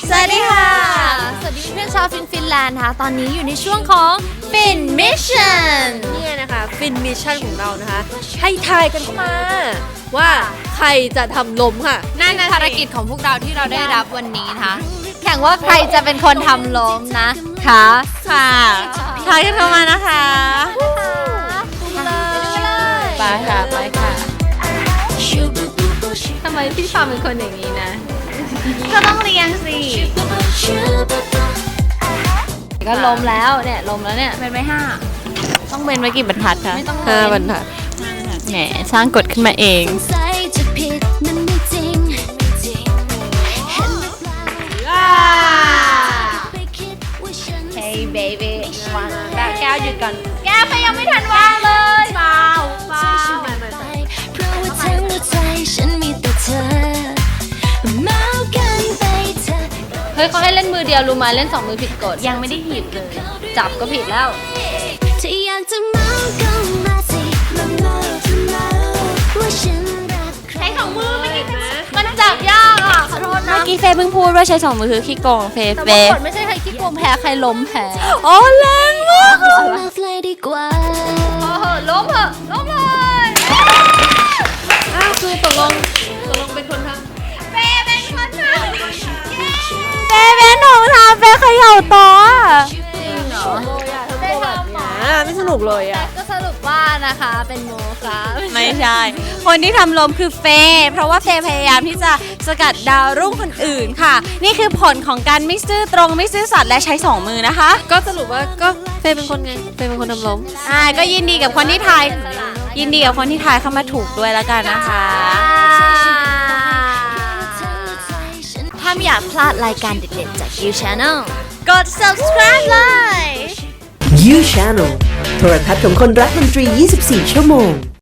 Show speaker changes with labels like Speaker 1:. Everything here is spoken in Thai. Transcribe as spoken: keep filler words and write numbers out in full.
Speaker 1: สวัสดีค่ะสวัสดีเพื่อนชาวฟินฟินแลนด์ค่ะตอนนี้อยู่ในช่วงของฟินมิชชั่น
Speaker 2: เนี่ยนะคะฟินมิชชั่นของเรานะคะให้ทายกันเข้ามาว่าใครจะทำล้มค่ะ
Speaker 1: นั่นนะภารกิจของพวกเราที่เราได้รับวันนี้นะคะแข่งว่าใครจะเป็นคนทำล้มนะค่ะ
Speaker 2: ค่ะทายกันเข้ามานะคะไปค่ะไปค่ะ
Speaker 1: ทำไมพี่ฟาร์มเป็นคนอย่างนี้นะก็ต้องเรียงสิก็ล้มแล้วเนี่ยล้มแล้วเนี่ยเป็นไปห้า
Speaker 2: ต้องเป็นไว้กี่บรรทัดคะห้าบรรทัด
Speaker 1: แหมสร้างกฎขึ้นมาเองเฮ้ยเบบี้วางแบบแก้วหยุดก่อนแก้วเขายังไม่ทันวางเลยเปล่าเปล่าเฮ้ยเขาให้เล่นมือเดียวรู้มาเล่นสองมือผิดกฎยังไม่ได้หยิบเลยจับก็ผิดแล้วใช้สองมือไม่ได้มันจับยากอ่ะขอโทษนะ
Speaker 2: เมื่อกี้เฟย์เพิ่งพูดว่าใช้สองมือคือขี้โกงเฟย์เฟย์
Speaker 1: ไม่ใช่ใครขี้โกงแพ้ใครล้มแพ้
Speaker 2: โอ้แรงมาก
Speaker 1: โอ้โหล้มเหอะล้มเลย
Speaker 2: อ้าวคือตกลงตกลงเป็นคนทำ
Speaker 1: เฟย์เป็นคนทำ
Speaker 2: เฟย์เป็นของทำเฟย์เขย่าโต๊ะ
Speaker 1: จริงเหรอ
Speaker 2: เฟย์ทำหมาไม่สนุกเลยอ่ะ
Speaker 1: ก็สรุปว่านะคะเป็นโมค่ะ
Speaker 2: ไม่ใช่คนที่ทำลมคือเฟย์เพราะว่าเฟย์พยายามที่จะสกัดดาวรุ่งคนอื่นค่ะนี่คือผลของการไม่ซื่อตรงไม่ซื่อสัตย์และใช้สองมือนะคะก็สรุปว่าก็เฟย์เป็นคนไงเฟย์เป็นคนทำลมอ่าก็ยินดีกับคนที่ทายยินดีกับคนที่ทายเข้ามาถูกด้วยแล้วกันนะคะ
Speaker 1: ถ้าไม่อยากพลาดรายการเด็ดๆจาก You Channel กด subscribe เลย
Speaker 3: You Channel โทรทัศน์ของคนรักดนตรี ยี่สิบสี่ ชั่วโมง